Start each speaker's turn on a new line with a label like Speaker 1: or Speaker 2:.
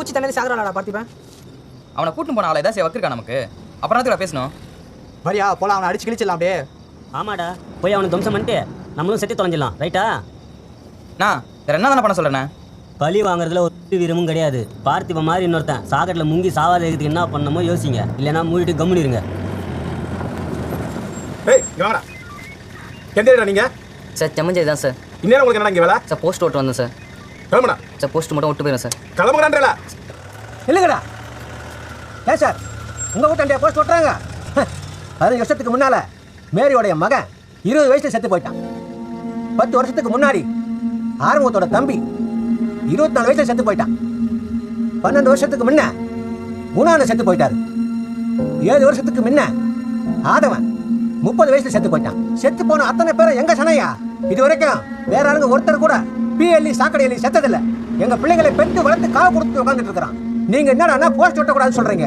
Speaker 1: குச்சி தண்ணி சாகுறாடா பார்த்திபன்.
Speaker 2: அவனை கூட்டின்னு போன ஆளை ஏதாச்சும் வக்கிருக்கா நமக்கு. அப்புறம் தான் பேசணும்.
Speaker 1: வரியா போலாம், அவனை அடிச்சு கிழிச்சிடலாம் அப்படியே.
Speaker 3: ஆமாடா, போய் அவனை துவம்சம் பண்ணிட்டு நம்மளும் செத்து தொலைஞ்சிடலாம். ரைட்டா?
Speaker 2: நான் வேற என்ன தானே பண்ண சொல்றேண்ணே?
Speaker 3: பழி வாங்குறதுல ஒரு வீரமும் கிடையாது. பார்த்திப மாதிரி இன்னொருத்தன் சாகட்டில் முங்கி சாவாத இருக்கிறதுக்கு என்ன பண்ணணுமோ யோசிங்க. இல்லைன்னா மூடிட்டு கம்முனிருங்க.
Speaker 4: ஏய் வாடா. எங்கடா நீங்க?
Speaker 5: சார் செம்மஞ்சேரி தான் சார்.
Speaker 4: இன்னேரம் உங்களுக்கு என்ன இங்க வேலை?
Speaker 5: சார் போஸ்ட் ஓட்டு வந்தேன் சார்.
Speaker 4: கிளம்புடா.
Speaker 5: சார் போஸ்ட் மட்டும் விட்டு போயிடும் சார்.
Speaker 4: கிளம்புறான்றல.
Speaker 1: இல்லைங்கடா. ஏன் சார் உங்கள் வீட்டாண்டியா போஸ்ட் ஓட்டுறாங்க? 15 வருஷத்துக்கு முன்னால் மேரியோடைய மகன் 20 வயசில் செத்து போயிட்டான். 10 வருஷத்துக்கு முன்னாடி ஆறுமுகத்தோட தம்பி 24 வயசில் செத்து போயிட்டான். 12 வருஷத்துக்கு முன்ன குணான செத்து போயிட்டாரு. 7 வருஷத்துக்கு முன்ன ஆதவன் 30 வயசுல செத்து போயிட்டான். செத்து போன அத்தனை பேரும் எங்க சனையா? இது வரைக்கும் வேற ஆளுங்க ஒருத்தர் கூட பிஎல்இ சாக்கடையில செத்ததில்லை. எங்க பிள்ளைங்களை பெற்று வளர்த்து காவு கொடுத்து உட்காந்துட்டு இருக்கிறான். நீங்க என்னடா போஸ்ட் ஓட்டக்கூடாதுன்னு சொல்றீங்க?